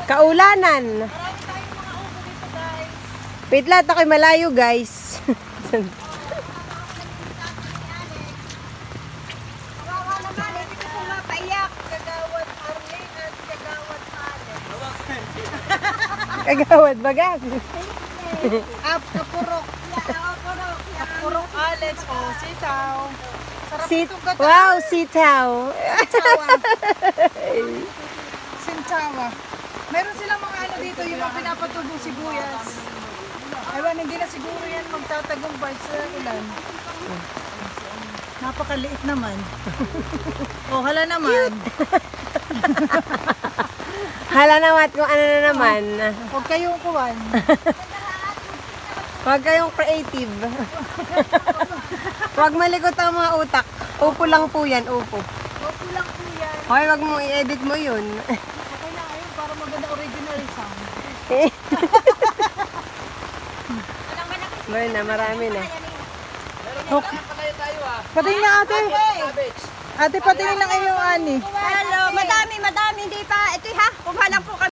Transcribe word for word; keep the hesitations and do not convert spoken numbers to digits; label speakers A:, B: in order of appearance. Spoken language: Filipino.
A: Kaulanan.
B: Marami tayong mga upo dito, guys.
A: Wait lang, ako'y malayo guys.
B: Kawawa naman, hindi ko pumapaiyak. Kagawad Arlene at Kagawad Alex.
A: Kagawad bagas.
B: Ap, kapurok. Kapurok. Kapurok Alex. O, sitaw. Sarap
A: Sit
B: itong gata.
A: wow, sitaw.
B: Sintawa. Sintawa. Meron silang mga ano dito, yung mga pinapatubong sibuyas. Ewan, hindi na siguro yan magtatagumpay sa ulan. Napakaliit naman. O, hala naman.
A: Hala naman kung ano na naman.
B: Huwag kayong kuwan.
A: Huwag kayong creative. Huwag malikot ang mga utak. Upo lang po yan, upo.
B: Opo lang po yan.
A: Hoy, wag mo i-edit mo yun.
B: Okay na ayun para maganda original sound.
A: Meron na, marami na.
B: Patingin na ate. Ate, patingin ng iyong ani.
C: Hello, madami, madami, hindi pa. Ito ha, kung lang po kami.